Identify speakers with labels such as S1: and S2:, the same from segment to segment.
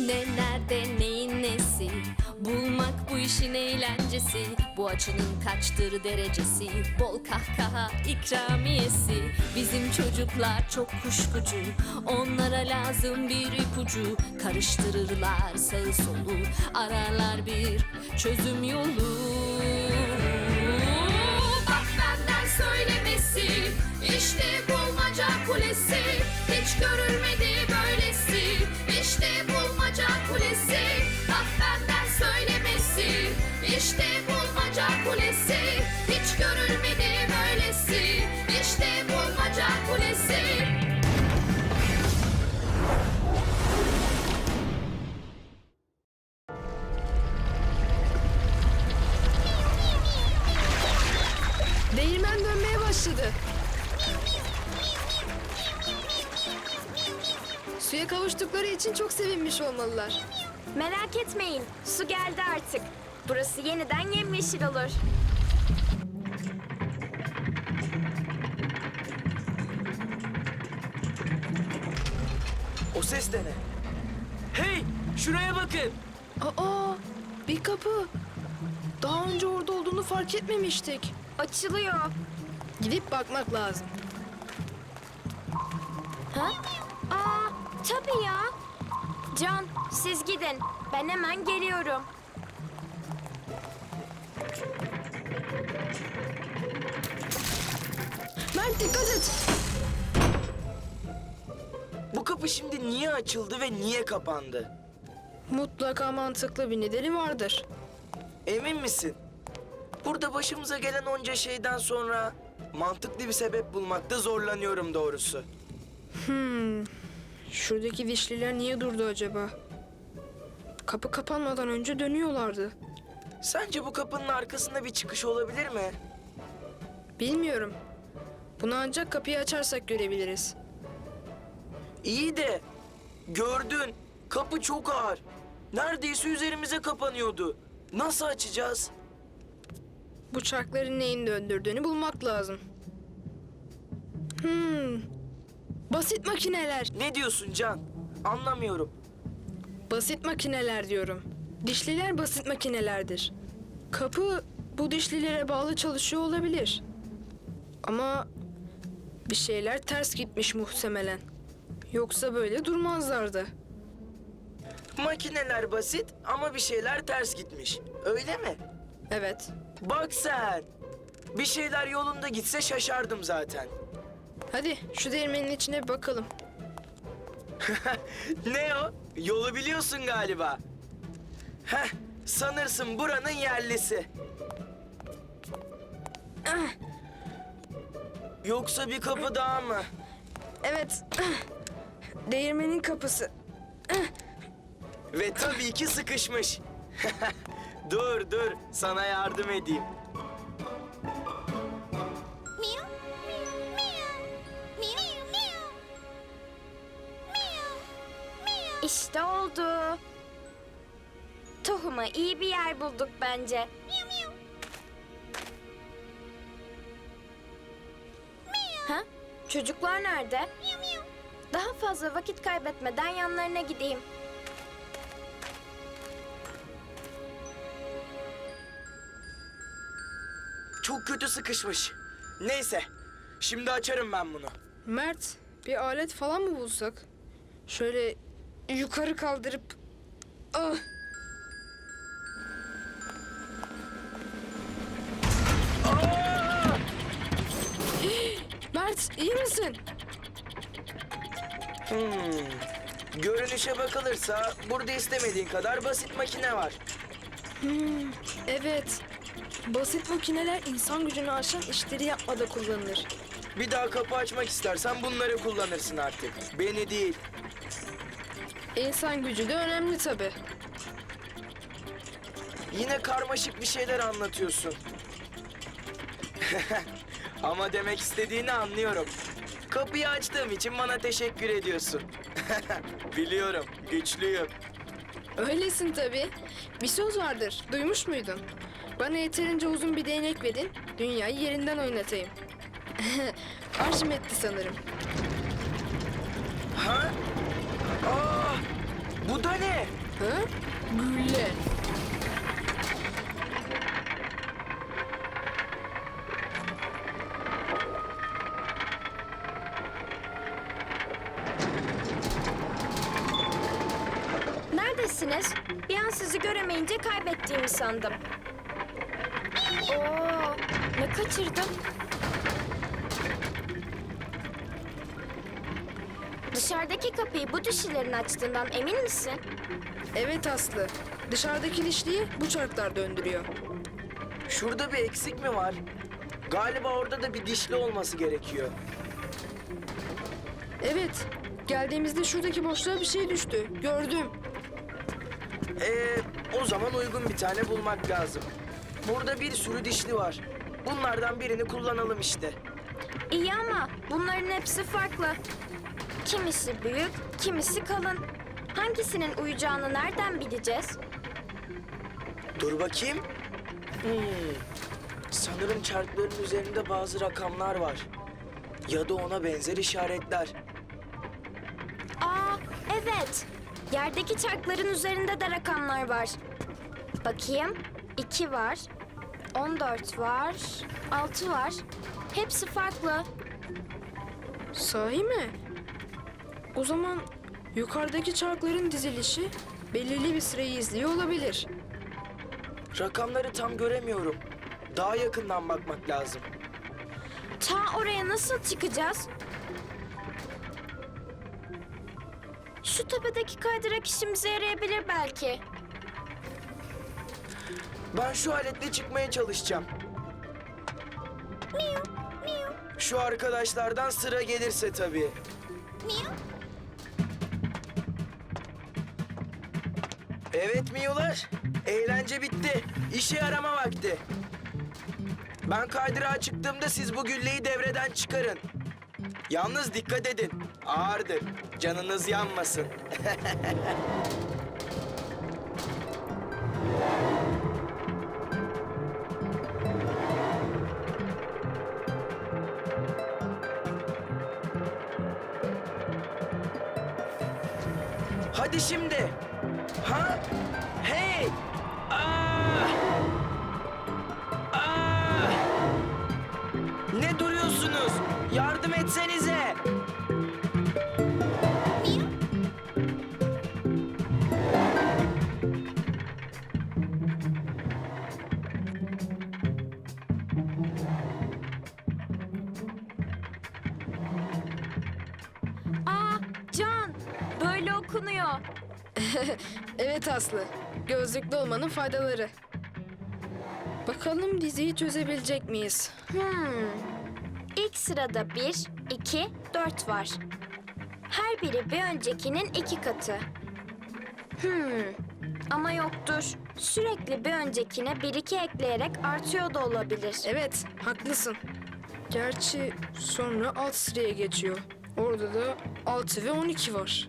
S1: Ne nerede neyin nesi, bulmak bu işin eğlencesi. Bu açının kaçtır derecesi, bol kahkaha ikramiyesi. Bizim çocuklar çok kuşkucu, onlara lazım bir ipucu. Karıştırırlar sağı solu, ararlar bir çözüm yolu. Bak benden söylemesi, işte bulmaca kulesi. Hiç görülmedi böylesi, işte bulmaca kulesi. Bak benden söylemesi, işte bulmaca kulesi. Hiç görülmedi böylesi, işte bulmaca kulesi.
S2: Değirmen dönmeye başladı. Suya kavuştukları için çok sevinmiş olmalılar.
S3: Merak etmeyin, su geldi artık. Burası yeniden yemyeşil olur.
S4: O ses de ne? Hey! Şuraya bakın!
S2: Aa, bir kapı. Daha önce orada olduğunu fark etmemiştik.
S3: Açılıyor.
S2: Gidip bakmak lazım.
S3: Ha? Aa, tabii ya. Can, siz gidin. Ben hemen geliyorum.
S2: Mert dikkat et.
S4: Bu kapı şimdi niye açıldı ve niye kapandı?
S2: Mutlaka mantıklı bir nedeni vardır.
S4: Emin misin? Burada başımıza gelen onca şeyden sonra mantıklı bir sebep bulmakta zorlanıyorum doğrusu.
S2: Şuradaki dişliler niye durdu acaba? Kapı kapanmadan önce dönüyorlardı.
S4: Sence bu kapının arkasında bir çıkış olabilir mi?
S2: Bilmiyorum. Bunu ancak kapıyı açarsak görebiliriz.
S4: İyi de gördün, kapı çok ağır. Neredeyse üzerimize kapanıyordu. Nasıl açacağız?
S2: Bu çarkların neyin döndürdüğünü bulmak lazım. Basit makineler.
S4: Ne diyorsun Can? Anlamıyorum.
S2: Basit makineler diyorum. Dişliler basit makinelerdir. Kapı bu dişlilere bağlı çalışıyor olabilir. Ama bir şeyler ters gitmiş muhtemelen. Yoksa böyle durmazlardı.
S4: Makineler basit ama bir şeyler ters gitmiş. Öyle mi?
S2: Evet.
S4: Bak sen. Bir şeyler yolunda gitse şaşardım zaten.
S2: Hadi şu değirmenin içine bir bakalım.
S4: Ne o? Yolu biliyorsun galiba. Heh, sanırsın buranın yerlisi. Yoksa bir kapı daha mı?
S2: Evet. Değirmenin kapısı.
S4: Ve tabii ki sıkışmış. Dur, sana yardım edeyim.
S3: İşte oldu. Tohuma iyi bir yer bulduk bence. Ha? Çocuklar nerede? Daha fazla vakit kaybetmeden yanlarına gideyim.
S4: Çok kötü sıkışmış. Neyse, şimdi açarım ben bunu.
S2: Mert, bir alet falan mı bulsak? Şöyle yukarı kaldırıp... Ah! Mert, iyi misin?
S4: Görünüşe bakılırsa burada istemediğin kadar basit makine var.
S2: Evet. Basit makineler insan gücünü aşan işleri yapmada kullanılır.
S4: Bir daha kapı açmak istersen bunları kullanırsın artık. Beni değil.
S2: İnsan gücü de önemli tabii.
S4: Yine karmaşık bir şeyler anlatıyorsun. Ama demek istediğini anlıyorum. Kapıyı açtığım için bana teşekkür ediyorsun. Biliyorum, güçlüyüm.
S2: Öylesin tabii. Bir söz vardır, duymuş muydun? Bana yeterince uzun bir değnek verin, dünyayı yerinden oynatayım. Arşimet'ti sanırım.
S4: Ha? Aa! Bu da ne?
S2: Ha? Gülle.
S3: Neredesiniz? Bir an sizi göremeyince kaybettiğimi sandım. Oo, ne kaçırdım? Dışarıdaki kapıyı bu dişilerin açtığından emin misin?
S2: Evet Aslı. Dışarıdaki dişliyi bu çarklar döndürüyor.
S4: Şurada bir eksik mi var? Galiba orada da bir dişli olması gerekiyor.
S2: Evet. Geldiğimizde şuradaki boşluğa bir şey düştü. Gördüm.
S4: O zaman uygun bir tane bulmak lazım. Burada bir sürü dişli var. Bunlardan birini kullanalım işte.
S3: İyi ama bunların hepsi farklı. Kimisi büyük, kimisi kalın. Hangisinin uyacağını nereden bileceğiz?
S4: Dur bakayım. Sanırım çarkların üzerinde bazı rakamlar var. Ya da ona benzer işaretler.
S3: Aa, evet. Yerdeki çarkların üzerinde de rakamlar var. Bakayım. 2 var. 14 var. 6 var. Hepsi farklı.
S2: Sahi mi? O zaman yukarıdaki çarkların dizilişi belirli bir sırayı izliyor olabilir.
S4: Rakamları tam göremiyorum. Daha yakından bakmak lazım.
S3: Ta oraya nasıl çıkacağız? Şu tepedeki kaydırak işimize yarayabilir belki.
S4: Ben şu aletle çıkmaya çalışacağım. Şu arkadaşlardan sıra gelirse tabii. Evet Miyular, eğlence bitti. İşe yarama vakti. Ben kaydırağa çıktığımda siz bu gülleyi devreden çıkarın. Yalnız dikkat edin, ağırdır. Canınız yanmasın. Hadi şimdi. Ha? Hey! Aa! Aa! Ne duruyorsunuz? Yardım etsenize.
S3: Aa, Can, böyle okunuyor.
S2: Evet Aslı. Gözlüklü olmanın faydaları. Bakalım diziyi çözebilecek miyiz?
S3: İlk sırada 1, 2, 4 var. Her biri bir öncekinin 2 katı. Ama yoktur. Sürekli bir öncekine 1-2 ekleyerek artıyor da olabilir.
S2: Evet, haklısın. Gerçi sonra alt sıraya geçiyor. Orada da 6 ve 12 var.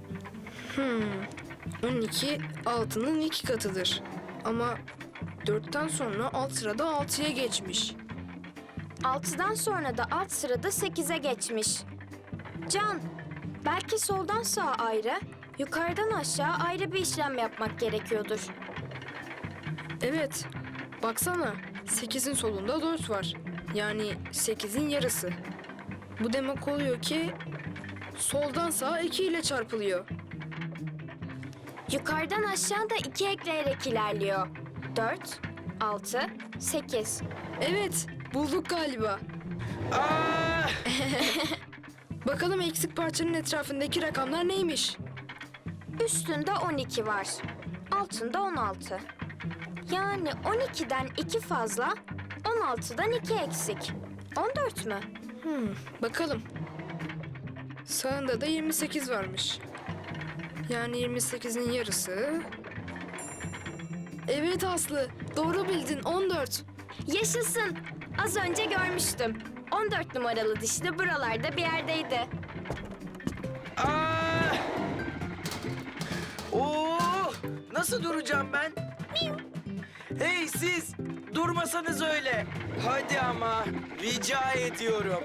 S2: 12 6'nın 2 katıdır. Ama 4'ten sonra alt sırada 6'ya geçmiş.
S3: 6'dan sonra da alt sırada 8'e geçmiş. Can, belki soldan sağa ayrı, yukarıdan aşağı ayrı bir işlem yapmak gerekiyordur.
S2: Evet, baksana 8'in solunda 4 var. Yani 8'in yarısı. Bu demek oluyor ki soldan sağa 2 ile çarpılıyor.
S3: Yukarıdan aşağı da 2 ekleyerek ilerliyor. 4, 6, 8.
S2: Evet, bulduk galiba.
S4: Aa!
S2: Bakalım eksik parçanın etrafındaki rakamlar neymiş?
S3: Üstünde 12 var. Altında 16. Yani 12'den 2 fazla, 16'dan 2 eksik. 14 mü?
S2: Bakalım. Sağında da 28 varmış. Yani 28'in yarısı. Evet Aslı, doğru bildin 14.
S3: Yaşasın. Az önce görmüştüm. 14 numaralı dişli buralarda bir yerdeydi.
S4: Aa! Oo! Nasıl duracağım ben? Hey siz! Durmasanız öyle. Hadi ama rica ediyorum.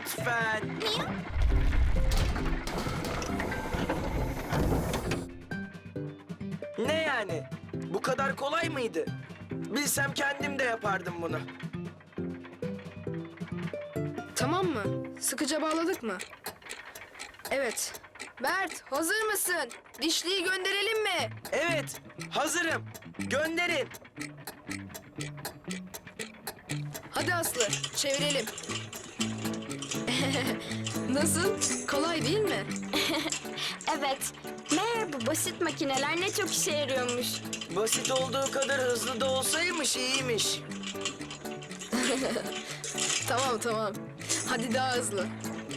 S4: Lütfen. yani? Bu kadar kolay mıydı? Bilsem kendim de yapardım bunu.
S2: Tamam mı? Sıkıca bağladık mı? Evet. Mert, hazır mısın? Dişliyi gönderelim mi?
S4: Evet, hazırım. Gönderin.
S2: Hadi Aslı, çevirelim. Nasıl? Kolay değil mi?
S3: Evet. Meğer bu basit makineler ne çok işe yarıyormuş.
S4: Basit olduğu kadar hızlı da olsaymış iyiymiş.
S2: Tamam tamam. Hadi daha hızlı.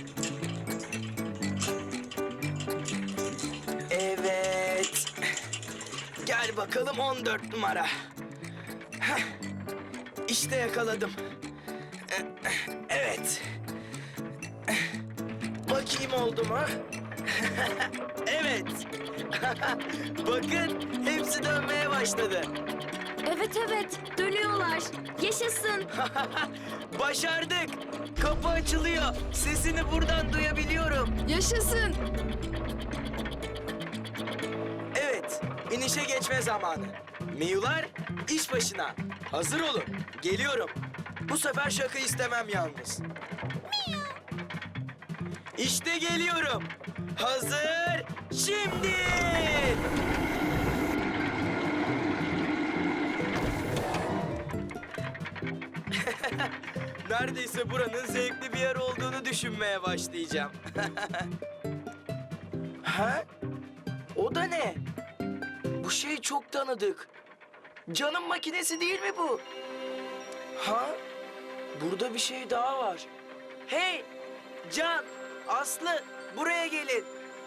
S4: Evet. Gel bakalım 14 numara. Heh. İşte yakaladım. Evet. Bakayım oldu mu? Evet. Bakın hepsi dönmeye başladı.
S3: Evet evet, dönüyorlar. Yaşasın.
S4: Başardık. Kapı açılıyor. Sesini buradan duyabiliyorum.
S2: Yaşasın.
S4: Evet, inişe geçme zamanı. Miyular, iş başına. Hazır olun. Geliyorum. Bu sefer şaka istemem yalnız. İşte geliyorum. Hazır, şimdi. Neredeyse buranın zevkli bir yer olduğunu düşünmeye başlayacağım. Ha? O da ne? Bu şey çok tanıdık. Can'ın makinesi değil mi bu? Ha? Burada bir şey daha var. Hey! Can, Aslı, buraya gelin.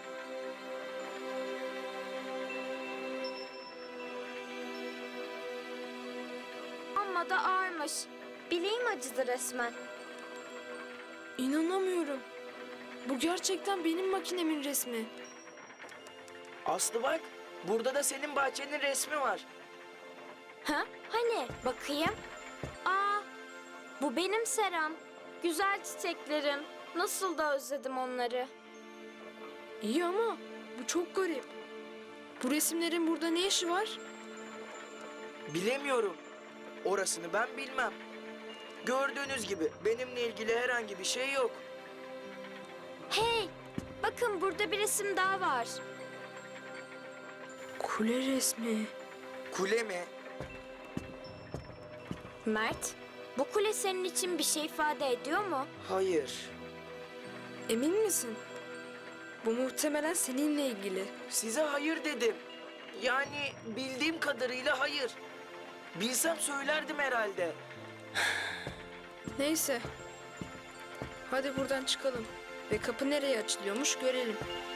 S3: Amma da ağırmış. Bileğim acıdı resmen.
S2: İnanamıyorum. Bu gerçekten benim makinemin resmi.
S4: Aslı bak, burada da senin bahçenin resmi var.
S3: Ha? Hani? Bakayım. Aa, bu benim seram. Güzel çiçeklerim. Nasıl da özledim onları.
S2: İyi ama bu çok garip. Bu resimlerin burada ne işi var?
S4: Bilemiyorum. Orasını ben bilmem. Gördüğünüz gibi benimle ilgili herhangi bir şey yok.
S3: Hey, bakın burada bir resim daha var.
S2: Kule resmi.
S4: Kule mi?
S3: Mert, bu kule senin için bir şey ifade ediyor mu?
S4: Hayır.
S2: Emin misin? Bu muhtemelen seninle ilgili.
S4: Size hayır dedim. Yani bildiğim kadarıyla hayır. Bilsem söylerdim herhalde.
S2: Neyse. Hadi buradan çıkalım. Ve kapı nereye açılıyormuş görelim.